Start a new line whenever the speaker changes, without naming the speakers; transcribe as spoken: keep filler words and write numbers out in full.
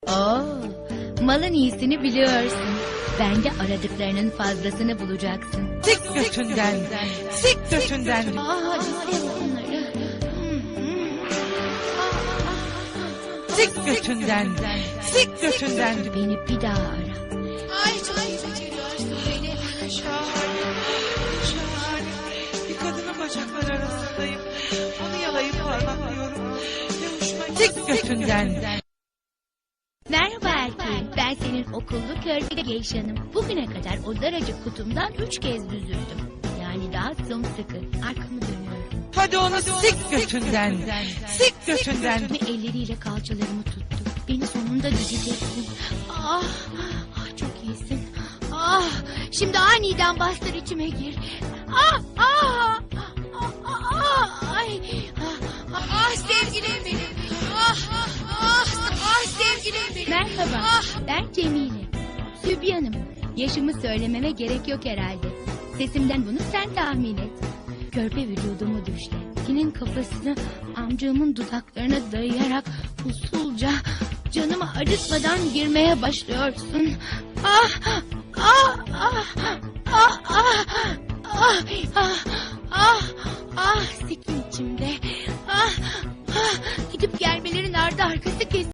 Oo, malın iyisini biliyorsun. Bence aradıklarının fazlasını bulacaksın.
Sik götünden, sik götünden.
Aa, istemem onları.
Sik götünden, sik götünden.
Beni bir daha ara.
Ay çok iyi beceriyorsun beni. Şahane, şahane.
Bir kadının bacakları arasındayım. Onu yalayıp parmaklıyorum. Ne hoşuma gitti. Sik götünden.
Merhaba erkeğim. Ben senin okullu körpe geyşanım. Bugüne kadar o daracık kutumdan üç kez düzüldüm. Yani daha sımsıkı. Arkamı dönüyorum.
Hadi onu sik götünden, sik götünden.
Ve elleriyle kalçalarımı tuttu. Beni sonunda düzeceksin. Ah, ah çok iyisin. Ah, şimdi aniden bastır içime gir. Ah, ah, ah, ah, ah, ay, ah, ah,
Ah sevgilim benim. Ah, ah, ah sevgilim benim.
Merhaba,
Ah.
ben Cemile. Sübyanım. Yaşımı söylememe gerek yok herhalde. Sesimden bunu sen tahmin et. Körpe vücudumu düşle. Senin kafasını amcamın dudaklarına dayayarak usulca canımı acıtmadan girmeye başlıyorsun. Ah, ah, ah, ah, ah, ah, ah, ah, ah, sikim içimde. Ah, ah, gidip gelmelerin ardı arkası kes.